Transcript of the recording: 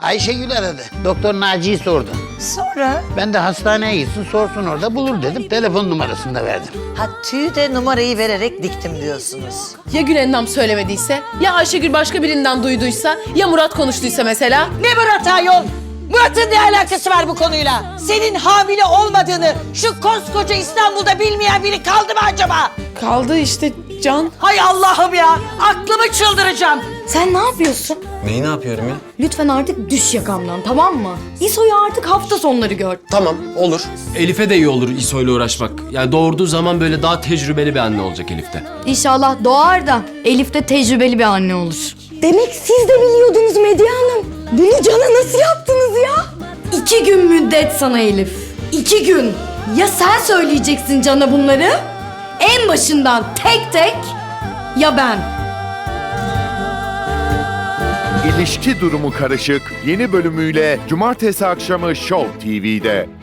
Ayşegül aradı. Doktor Naci'yi sordu. Sonra? Ben de hastaneye gitsin sorsun orada bulur dedim. Telefon numarasını da verdim. Ha tüyü de numarayı vererek diktim diyorsunuz. Ya Gülendam söylemediyse? Ya Ayşegül başka birinden duyduysa? Ya Murat konuştuysa mesela? Ne Murat ayol? Murat'ın ne alakası var bu konuyla? Senin hamile olmadığını şu koskoca İstanbul'da bilmeyen biri kaldı mı acaba? Kaldı işte Can. Hay Allah'ım ya! Aklımı çıldıracağım. Sen ne yapıyorsun? Neyi ne yapıyorum ya? Lütfen artık düş yakamdan, tamam mı? İso'yu artık hafta sonları gör. Tamam, olur. Elif'e de iyi olur İso'yla uğraşmak. Yani doğurduğu zaman böyle daha tecrübeli bir anne olacak Elif'te. İnşallah doğar da Elif de tecrübeli bir anne olur. Demek siz de biliyordunuz Medya Hanım. Bunu Can'a nasıl yaptınız ya? 2 gün müddet sana Elif. 2 gün. Ya sen söyleyeceksin Can'a bunları? En başından tek tek ya ben. İlişki Durumu Karışık yeni bölümüyle Cumartesi akşamı Show TV'de.